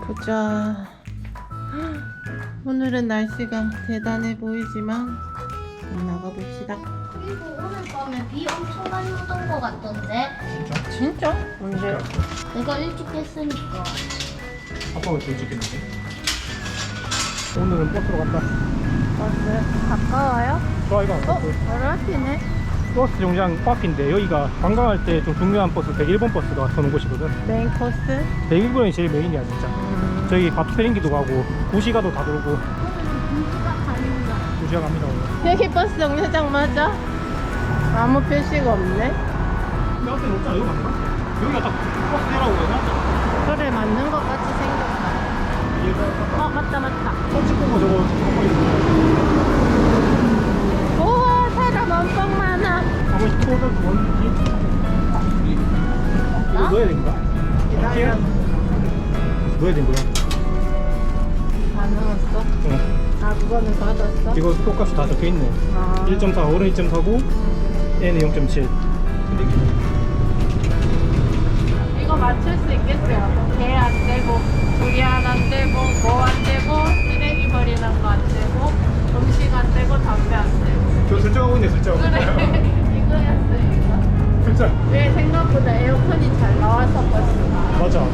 보자. 오늘은 날씨가 대단해 보이지만 나가봅시다. 그리고 오늘 밤에 비 엄청 많이 오던 것 같던데. 진짜? 언제? 내가 일찍 했으니까. 아빠가 제일 찍겠는데? 오늘은 버스로 간다. 버스 가까워요? 좋아이가 바로 앞이네. 버스 정류장 코앞인데 여기가 관광할 때 좀 중요한 버스 101번 버스가 서는 곳이거든. 메인 코스? 101번이 제일 메인이야 진짜. 저기 바투페링기도 가고 구시가도 다 돌고. 구시가 갑니다 오늘. 여기 버스 정류장 맞아? 아무 표시가 없네. 근데 앞에 없잖아. 여기 맞나? 여기가 딱 버스 내라고 해놨잖아. 그래, 맞는 것 같이 생겼다. 맞다. 찍고 저거 우와, 사람 엄청 많아. 하고 싶어서 뭔지 이거 넣어야 된가? 기다려. 넣어야 된 거야. 다 넣었어? 어. 그거는 받았어? 이거 똑같이 다 적혀있네. 아. 1.4 어른 2.4고 얘는 0.7. 이거 맞출 수 있겠어요? 개 안 되고, 두리안 안 되고, 뭐 안 되고, 쓰레기 버리는 거 안 되고, 음식 안 되고, 담배 안 되고. 저 설정하고 있네 설정. 그래, 이거였어, 이거. 설정. 왜 생각보다 에어컨이 잘 나와서 버스가. 맞아.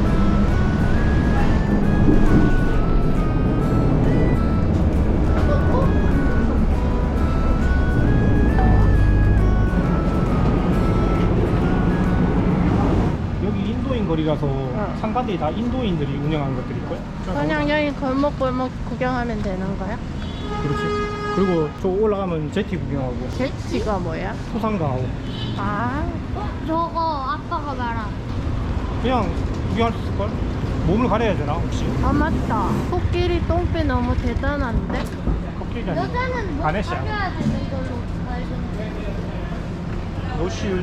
여기 인도인 거리라서 상가들이 다 인도인들이 운영하는 것들일걸? 그냥 여기 골목골목 구경하면 되는 거야? 그렇지. 그리고 저 올라가면 제티 구경하고 제치가 뭐야? 소상가하고 아, 저거 아빠가 말한. 그냥 구경할 수 있을걸? 몸을 가려야 되나 혹시? 맞다. 코끼리 똥배 너무 대단한데? 코끼리 아니고 여자는 뭐 가네시아. 가져야 되는 걸로 알던데. 노실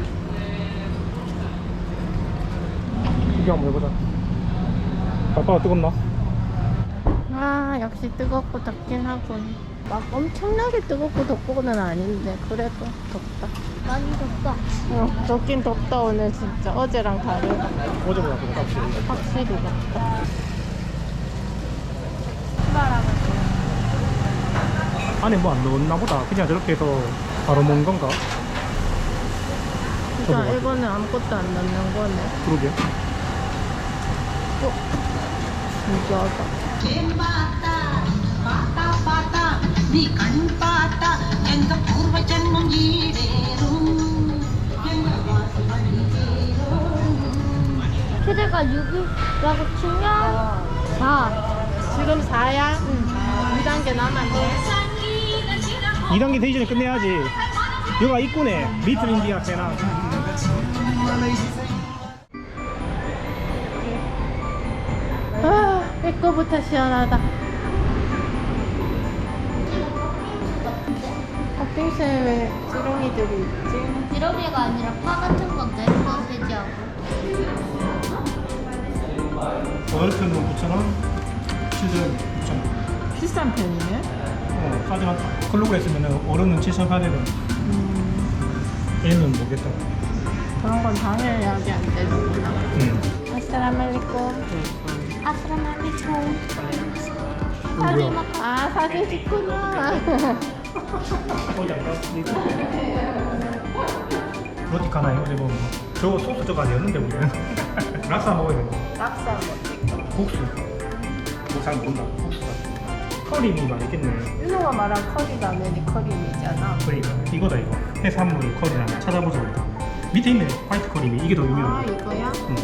구경 한번 해보자. 아빠가 뜨겁나? 아, 역시 뜨겁고 덥긴 하군. 막 엄청나게 뜨겁고 덥고는 아닌데 그래도 덥다. 많이 덥다. 덥긴 덥다 오늘 진짜. 어제랑 다르다. 어제보다 더 덥지. 확실히 덥다. 출발하면 안에 뭐 안 넣었나 보다. 그냥 저렇게 해서 바로 먹은 건가? 진짜 이거는 아무것도 안 넣는 거네. 그러게. 신기하다. నీ కన్పాట ఎంత పూర్వజన్మం ఈ వేరు 최대가 6이라고 치면 4. 지금 4야? 응. 2단계 남았네. 2단계 되기 전에 끝내야지. 여기가 입구네. 리틀 인디아 세나. 아, 입구부터 시원하다. 팥빙수에 왜 지렁이들이 있지? 지렁이가 아니라 파 같은 건데 소세지하고. 어덜트는 9,000원, 치즈는 9,000원. 비싼 편이네. 하지만 클로그 했으면 어른은 7,800원. 얘는 모르겠다. 그런 건 당연히 하게 안 되는구나. 아스라말리쿰. 아스라말리쿰. 뭐야? 아, 사진 찍구나. 어디 안 가? 로티카나 이거 먹은 거. 저거 소스 저거 아니었는데 우리는. 락사 먹어야 돼. 낙사 뭐 국수. 잘 모른다. 국수다. 커리미 맛있겠네. 윤호가 말한 커리 라면이 커리미잖아. 그러니까 이거다 이거. 해산물 커리라면 찾아보자 우리. 밑에 있네. 화이트 커리미. 이게 더 아, 유명해. 이거야? 응.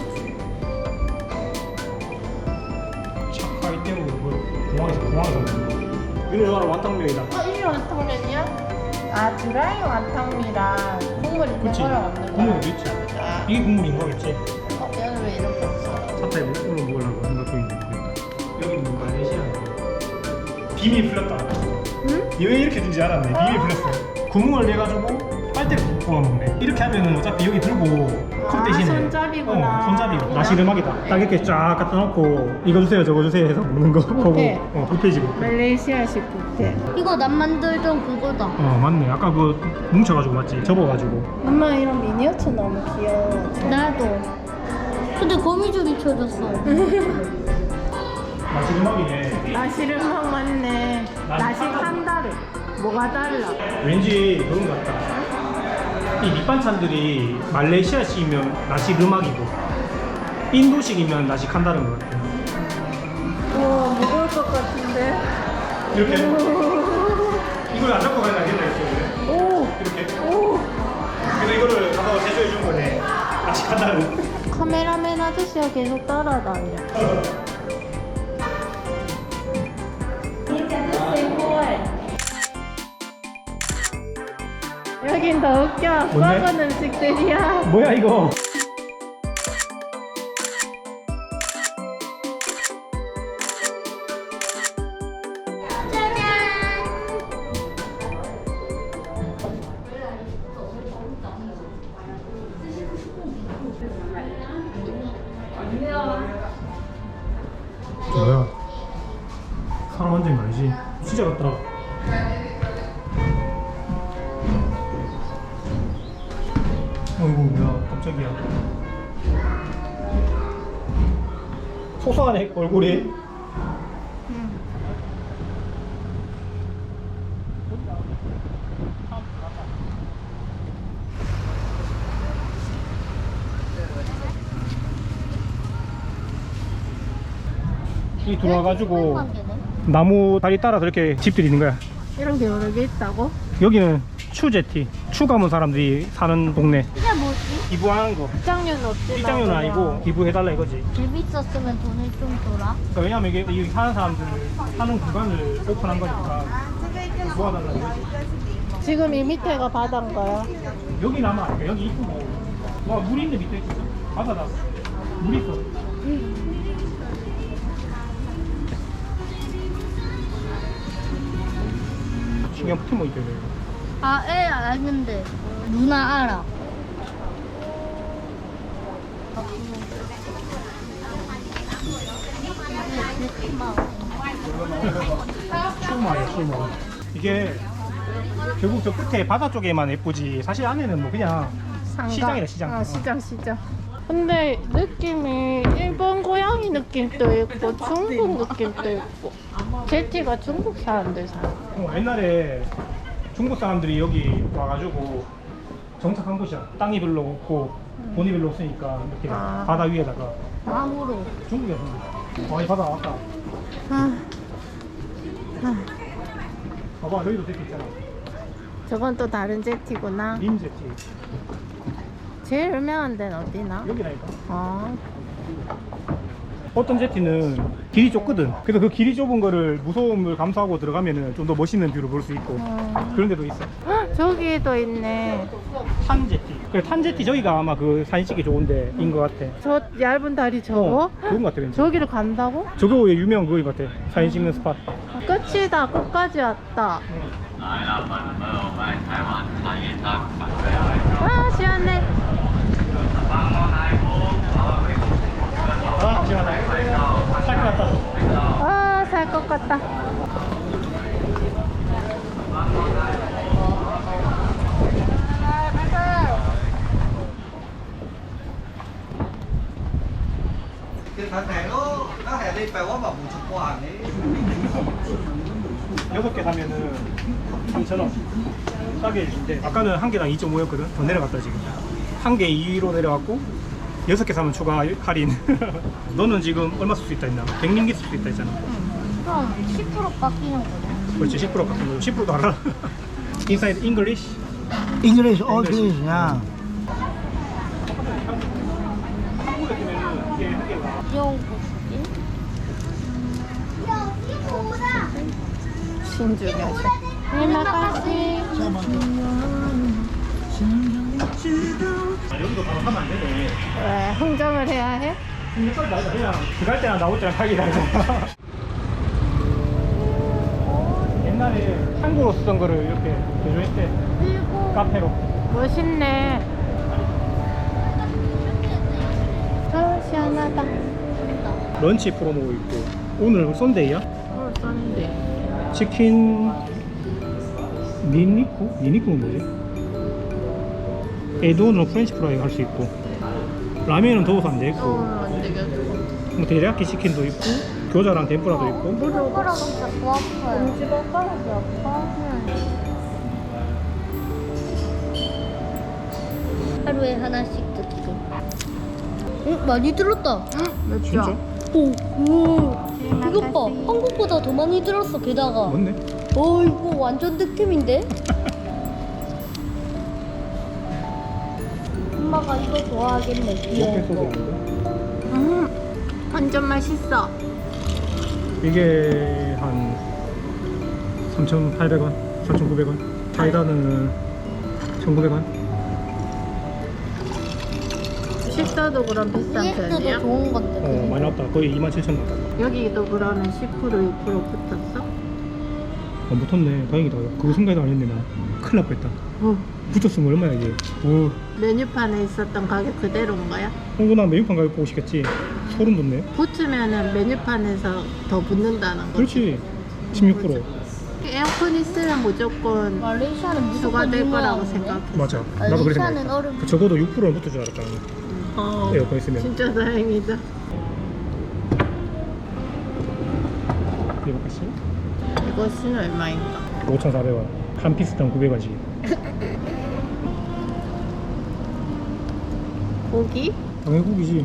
차카이 때문에 공항에서 먹는 거. 이거 바로 완탕면이다. 이게 완탕면이야? 아, 드라이 완탕미랑 국물 있는 그렇지. 거랑 없는 거랑. 국물도 있지. 아, 이게 국물인 거겠지. 얘는 왜 이렇게 없어? 차타에 오늘 먹으려고 생각 중인데. 여기는 뭔가 말레이시아. 비밀 풀렸다. 응? 왜 이렇게 준지 알았네. 비밀 풀렸어. 구멍을 내가지고 빨대를 뽑아 먹네. 이렇게 하면은 어차피 여기 들고 컵 대신에 손잡이구나. 손잡이. 나시르막이다. 딱 이렇게 쫙 갖다 놓고 이거 주세요 저거 주세요 해서 먹는 거. 뷔페. 보고 뷔페지 뷔페. 말레이시아식 뷔페. 이거 남 만들던 그거다. 맞네. 아까 그 뭉쳐가지고 맞지? 접어가지고. 엄마 이런 미니어처 너무 귀여워. 나도. 근데 거미줄이 쳐졌어. 나시 음악이네. 나시르막 맞네. 나시 한다르. 뭐가 달라? 왠지 그런 것 같다. 이 밑반찬들이 말레이시아식이면 나시 음악이고 인도식이면 나시 칸다른 것 같아. 우와, 무거울 것 같은데. 이렇게 이걸 안 잡고 가야 되겠다 이렇게. 오! 이렇게. 오! 그래서 이거를 가서 제조해 준 거네. 나시 칸다른. 카메라맨 아저씨가 계속 따라다녀. 여긴 더 웃겨. 뭔데? 썩은 음식들이야. 뭐야 이거? 뭐야? 사람 완전히 많지? 진짜 같다. 어이구 뭐야 깜짝이야. 소소하네 얼굴이. 이 들어와가지고 나무 다리 따라서 이렇게 집들이 있는 거야. 이런 게 여러 개 있다고? 여기는 추제티, 추 가문 사람들이 사는 동네. 이게 뭐지? 기부하는 거. 입장료는 없지. 입장료는 아니고 기부해달라 이거지. 집 있었으면 돈을 좀 줘라. 그러니까 왜냐면 이게 여기 사는 사람들 사는 구간을 오픈한 거니까 도와달라 이거지. 지금 이 밑에가 바다인가요? 여기 남아. 그러니까 여기 이쁘고. 와, 물이 있는데 밑에 있어. 바다다. 물 있어. 신경 붙으면 있대. 아, 애 아는데. 누나 알아. 추마야, 추마. 이게 결국 저 끝에 바다 쪽에만 예쁘지. 사실 안에는 뭐 그냥 시장이다, 시장. 아, 시장. 근데 느낌이 일본 고양이 느낌도 있고 중국 느낌도 있고. 제티가 중국 사람들 살아. 옛날에 중국 사람들이 여기 와가지고 정착한 곳이야. 땅이 별로 없고 돈이 별로 없으니까 이렇게 아. 바다 위에다가 나무로. 중국에서. 와, 이 바다 왔다. 아, 봐봐, 여기도 제티 있잖아. 저건 또 다른 제티구나. 림 제티. 제일 유명한 데는 어디나? 여기라니까. 아, 어떤 제티는 길이 좁거든. 그래서 그 길이 좁은 거를 무서움을 감수하고 들어가면은 좀 더 멋있는 뷰를 볼 수 있고 그런 데도 있어. 헉, 저기도 있네. 탄 제티. 그래, 탄 제티 저기가 아마 그 사진 찍기 좋은 데인 것 같아. 저 얇은 다리 저거? 좋은 것 같아. 왠지. 저기를 간다고? 저거 유명한 그거인 것 같아. 사진 찍는 스팟. 끝이다. 끝까지 왔다. 아, 시원해. 아, 시원하다. 살것 같다. 아, 살 것 같다. cái thằng này nó hẹn đi phải quá mà một chục quả đấy 6개 사면은 3,000원 싸게 해주는데 아까는 한 개당 2.5였거든. 더 내려갔다 지금. 한 개 2로 내려갔고 6개 사면 추가 할인. 너는 지금 얼마 쓸 수 있다 했나? 100링기 쓸 수 있다 했잖아. 그럼 10% 깎이는 거네. 그렇지. 10% 깎은 거. 10%도 알아. Inside English? English all English nha 한국에 뜨면은 이게 한 개가 귀여운 고수지? 신주가셔. 이마카시. 여기도 바로 가면 안 되네. 왜 흥정을 해야 해? 여기까지 나오자. 그냥 들어갈 때랑 나올 때랑 가기 다르잖아. 옛날에 한국으로 쓰던 거를 이렇게 개조했대. 카페로. 멋있네. 아, 시원하다. 런치 프로모 있고 오늘 썬데이야? 썬데. 치킨 니니쿠? 니니쿠는 뭐지? 에드온으로 프렌치 프라이 할 수 있고 라면은 더워서 안 되겠고 안 되겠어. 뭐 데리야끼 치킨도 있고 교자랑 덴뿌라도 있고. 손가락 진짜 더 아파요. 엄지발가락이 아파? 하루에 하나씩 듣기. 응, 많이 들었다. 몇 진짜? 오, 이것 봐. 한국보다 더 많이 들었어, 게다가. 맞네. 이거 완전 득템인데? 엄마가 이거 좋아하겠네, 이렇게 귀여운 써서 거. 있는데. 완전 맛있어. 이게 한 3,800원, 4,900원. 사이다는 1,900원. 식사도 그럼 비싼 EX도 편이야? 좋은 건데. 많이 나왔다. 거의 27,000원 나왔다. 여기도 그러면 10% 6% 붙었어? 안 붙었네. 다행이다. 그거 생각도 안 했네 나. 큰일 날 뻔했다. 붙었으면 얼마야 이게. 메뉴판에 있었던 가격 그대로인 거야? 홍구나 메뉴판 가격 보고 싶겠지. 소름 돋네. 붙으면은 메뉴판에서 더 붙는다는 거지. 그렇지. 16%. 에어컨 있으면 무조건 말레이시아는 무조건 추가될 거라고 유명하네. 생각해. 맞아. 나도 그래 말레이시아는 생각해. 얼음. 적어도 6%는 붙을 줄 알았잖아. 에어컨 있으면. 진짜 다행이다. 이거까지 이것은 얼마인가? 5,400원. 한 피스당 900원씩. 고기? 당연히 고기지.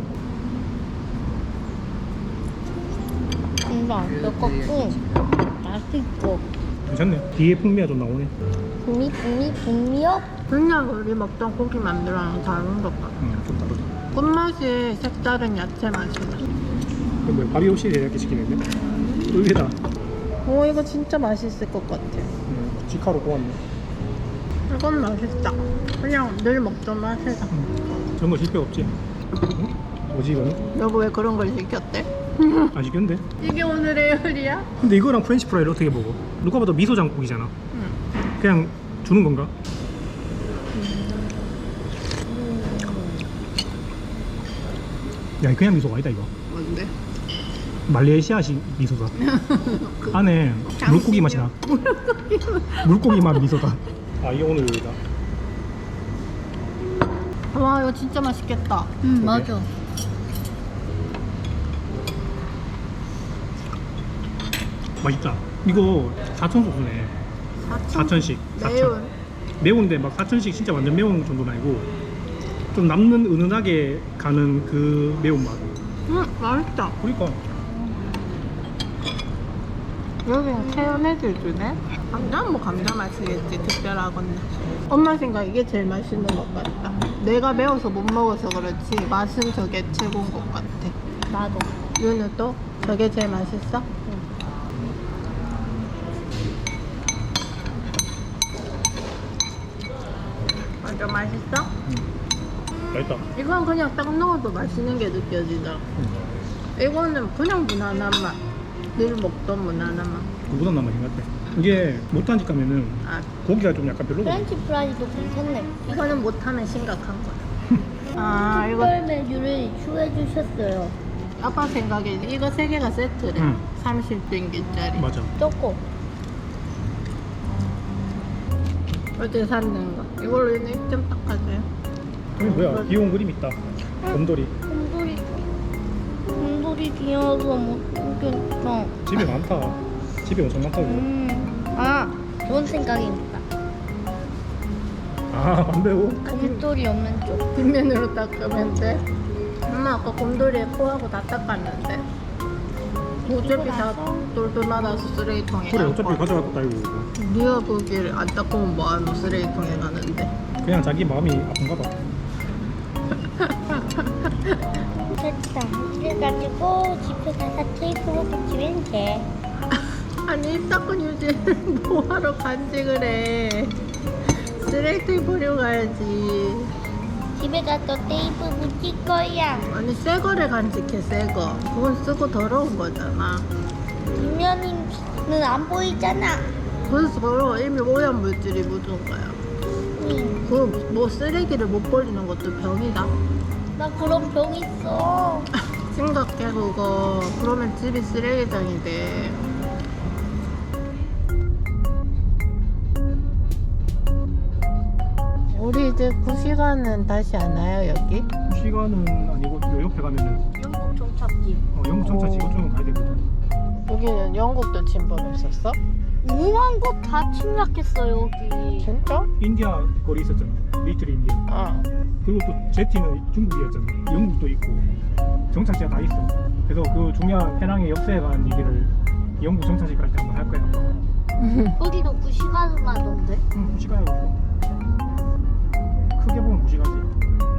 금방 몇 맛있고. 괜찮네. 뒤에 풍미가 좀 나오네. 북미역? 그냥 우리 먹던 고기 만두랑 다른 것 같아. 좀 다르다. 끝맛이 색다른 야채 맛이다. 이거 뭐야? 밥이 혹시 이렇게 시키는데? 의외다. 오, 이거 진짜 맛있을 것 같아. 직화로 고왔네. 이건 맛있다. 그냥 늘 먹던 맛이다. 저런 거 실패 없지? 응? 뭐지 이거는? 여보 왜 그런 걸 시켰대? 아직 근데? 이게 오늘의 요리야? 근데 이거랑 프렌치 프라이를 어떻게 먹어? 누가 봐도 미소 장국이잖아. 응. 그냥 주는 건가? 야, 그냥 미소가 아니다 이거. 뭔데? 말레이시아식 미소다. 안에 물고기 맛이 나. 물고기 맛 미소다. 아, 이게 오늘 요리다. 와, 이거 진짜 맛있겠다. 맞아. 맛있다. 이거 4,000 소스네. 4,000씩. 매운. 매운데 막 4,000씩 진짜 완전 매운 정도는 아니고 좀 남는 은은하게 가는 그 매운맛. 맛있다. 그러니까 여기는 체험해줄 주네? 감자는 뭐 감자 맛이겠지, 특별하건데. 엄마 생각 이게 제일 맛있는 것 같다. 내가 매워서 못 먹어서 그렇지 맛은 저게 최고인 것 같아. 나도. 윤우 또? 저게 제일 맛있어? 완전 맛있어? 맛있다. 이건 그냥 딱 넣어도 맛있는 게 느껴지더라. 이거는 그냥 무난한 맛. 늘 먹던 무난한 맛. 그보다 나 맛인 것 같아. 이게 못한 집 가면은 아, 고기가 좀 약간 별로거든. 프렌치 프라이도 괜찮네. 이거는 못하면 심각한 거야. 아, 이거 특별 메뉴를 추해 주셨어요. 아빠 생각에 이거 3개가 세트래. 응. 30빙기짜리. 맞아. 쪼꼬. 어제 샀는 거. 이걸로 입 좀 닦아줘요. 여기 뭐야? 귀여운 그림 있다. 곰돌이. 곰돌이 귀여워서 못 보겠어. 집에 많다. 집에 엄청 많다 이거. 아, 좋은 생각입니다. 아, 안 배워? 곰돌이 없는 쪽. 뒷면으로 닦으면 돼. 엄마 아까 곰돌이에 코하고 다 닦았는데. 어차피 다 돌돌 말아서 쓰레기통에 그래, 갈 어차피 거야. 가져갔다 이거. 네가 거기를 안 닦으면 뭐하노, 쓰레기통에 가는데. 그냥 자기 마음이 아픈가 봐. 됐다. 그래가지고 집에 가서 테이프로 붙이면 돼. 아니 입 닦은 유지를 뭐하러 간직을 해. 쓰레기통에 버리고 가야지. 집에 가서 테이프 붙일 거야. 아니 새 거를 간직해, 새 거. 그건 쓰고 더러운 거잖아. 뒷면은 안 보이잖아. 그래서 더러워. 이미 오염 물질이 묻은 거야. 그 뭐 쓰레기를 못 버리는 것도 병이다. 나 그런 병 있어. 심각해 그거. 그러면 집이 쓰레기장이 돼. 우리 이제 9시간은 다시 안 와요 여기? 시간은 아니고 요 옆에 가면은 영국 종착지. 영국 정차 지구 쪽은 가야 되거든. 한국도 침범했었어? 5만 곳 다 침략했어 여기. 진짜? 인디아 거리 있었잖아. 리틀 인디아. 어. 그리고 또 제티는 중국이었잖아. 영국도 있고 정착지가 다 있어. 그래서 그 중요한 해낭의 역사에 관한 얘기를 영국 정착지 갈 때 한번 할 거야. 아빠가. 거기도 9시간을 하던데. 무시가요. 크게 보면 무시가지.